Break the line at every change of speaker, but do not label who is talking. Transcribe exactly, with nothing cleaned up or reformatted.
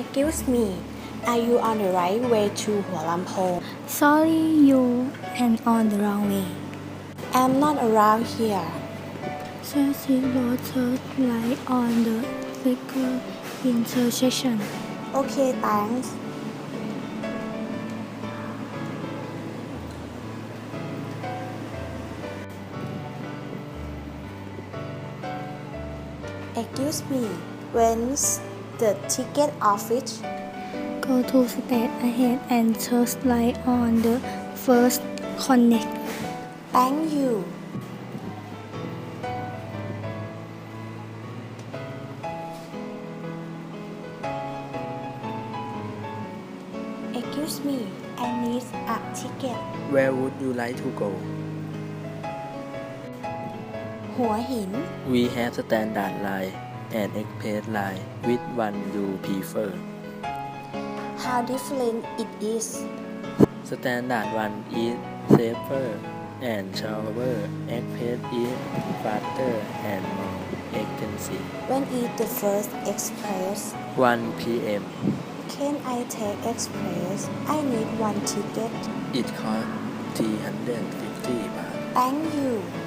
Excuse me, are you on the right way to Hualampong?
Sorry, you and on the wrong way.
I'm not around here.
Traffic road turn right on the Flicker intersection.
Okay, thanks. Excuse me, when's the ticket office?
Go to stage ahead and turn right on the first connect.
Thank you. Excuse me, I need a ticket.
Where would you like to go?
หัวหิน
We have standard line and express line. Which one you prefer?
How different it is.
Standard one is safer and slower. Express is faster and more expensive.
When is the first express?
one p m
Can I take express? I need one ticket.
It costs three hundred fifty บาท
Thank you.